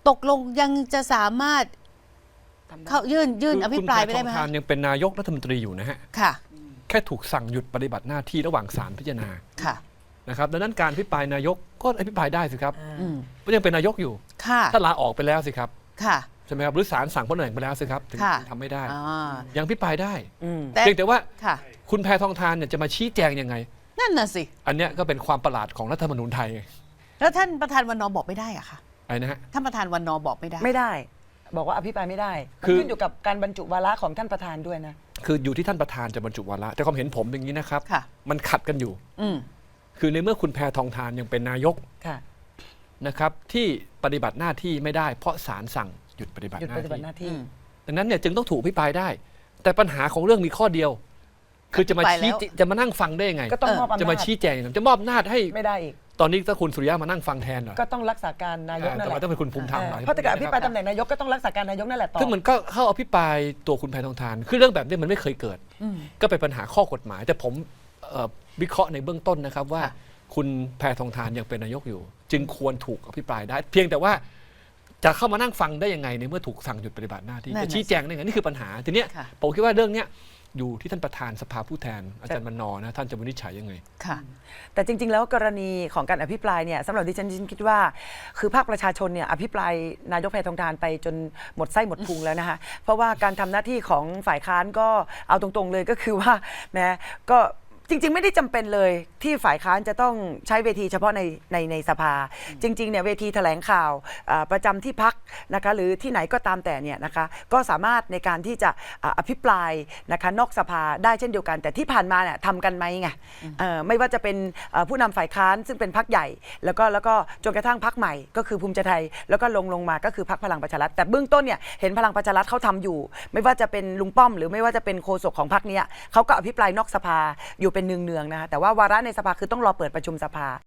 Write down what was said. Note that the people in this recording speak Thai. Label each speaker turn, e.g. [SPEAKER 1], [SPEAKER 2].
[SPEAKER 1] ตกลงยังจะสามารถเข้ายื่นอภิปรายไปได้ไหม
[SPEAKER 2] คุณแพทองทานยังเป็นนายกรัฐมนตรีอยู่นะฮะ
[SPEAKER 1] ค่ะ
[SPEAKER 2] แค่ถูกสั่งหยุดปฏิบัติหน้าที่ระหว่างศาลพิจารณา
[SPEAKER 1] ค่ะ
[SPEAKER 2] นะครับดังนั้นการอภิปรายนายกก็อภิปรายได้สิครับเพราะยังเป็นนายกอยู่ถ้าลาออกไปแล้วสิครับ
[SPEAKER 1] ค่ะ
[SPEAKER 2] ใช่ไหมครับหรือศาลสั่งพ้นตำแหน่งไปแล้วสิครับถึงทำไม่ได้ยังอภิปรายได้เพียงแต่ว่าคุณแพทองทานเนี่ยจะมาชี้แจงยังไง
[SPEAKER 1] นั่นน่ะสิ
[SPEAKER 2] อันเนี้ยก็เป็นความประหลาดของรัฐธรรมนูญไทย
[SPEAKER 1] แล้วท่านประธานวันน.บอกไม่ได้อะค่ะ
[SPEAKER 2] อะไรนะฮะ
[SPEAKER 1] ท่านประธานวันน.บอกไม่
[SPEAKER 3] ได้บอกว่าอภิปรายไม่ได้ขึ้นอยู่กับการบรรจุวาระของท่านประธานด้วยนะ
[SPEAKER 2] คืออยู่ที่ท่านประธานจะบรรจุวาระแต่ความเห็นผมอย่างนี้นะครับมันขัดกันอยู่คือในเมื่อคุณแพทองทานยังเป็นนายกนะครับที่ปฏิบัติหน้าที่ไม่ได้เพราะศาลสั่งหยุดปฏิบัติหน้าที่ดังนั้นเนี่ยจึงต้องถูกอภิปรายได้แต่ปัญหาของเรื่องมีข้อเดียวคือจะมานั่งฟังได้ยังไงจะมาชี้แจงจะมอบอำนาจให้
[SPEAKER 3] ไม่ได้อีก
[SPEAKER 2] ตอนนี้ถ้าคุณสุริยะมานั่งฟังแทนเหรอ
[SPEAKER 3] ก็ต้องรักษาการนายกนั่นแหละ
[SPEAKER 2] ต้องเป็นคุณภูมิธรรม
[SPEAKER 3] เพราะถ้าเกิดอภิปรายตำแหน่งนายกก็ต้องรักษาการนายกนั่นแหละต่อ
[SPEAKER 2] คือมันก็เข้าอภิปรายตัวคุณแพทองทานคือเรื่องแบบนี้มันไม่เคยเกิดก็เป็นปัญหาข้อกฎหมายแต่ผมวิเคราะห์ในเบื้องต้นนะครับว่าคุณแพทองทานยังเป็นนายกอยู่จึงควรถูกอภิปรายได้เพียงแต่ว่าจะเข้ามานั่งฟังได้ยังไงในเมื่อถูกสั่งหยุดปฏิบัติหน้าที่จะชี้แจงได้ไงนี่คือปัญหาทีนี้ผมคิดว่าเรื่องนี้อยู่ที่ท่านประธานสภาผู้แทนอาจารย์มนนะท่านจะวินิจฉัยยังไง
[SPEAKER 3] ค่ะแต่จริงๆแล้วกรณีของการอภิปรายเนี่ยสำหรับดิฉันคิดว่าคือภาคประชาชนเนี่ยอภิปรายนายกแพทองทานไปจนหมดไส้หมดพุงแล้วนะคะเพราะว่าการทำหน้าที่ของฝ่ายค้านก็เอาตรงๆเลยก็คือว่านะก็จริงๆไม่ได้จำเป็นเลยที่ฝ่ายค้านจะต้องใช้เวทีเฉพาะในสภาจริงๆเนี่ยเวทีแถลงข่าวประจำที่พักนะคะหรือที่ไหนก็ตามแต่เนี่ยนะคะก็สามารถในการที่จะอภิปรายนะคะนอกสภาได้เช่นเดียวกันแต่ที่ผ่านมาเนี่ยทำกันไหมไงไม่ว่าจะเป็นผู้นำฝ่ายค้านซึ่งเป็นพรรคใหญ่แล้วก็จนกระทั่งพรรคใหม่ก็คือภูมิใจไทยแล้วก็ลงมาก็คือพรรคพลังประชารัฐแต่เบื้องต้นเนี่ยเห็นพลังประชารัฐเขาทำอยู่ไม่ว่าจะเป็นลุงป้อมหรือไม่ว่าจะเป็นโฆษกของพรรคนี้เขาก็อภิปรายนอกสภาอยู่เป็นเนืองๆนะคะแต่ว่าวาระในสภาคือต้องรอเปิดประชุมสภา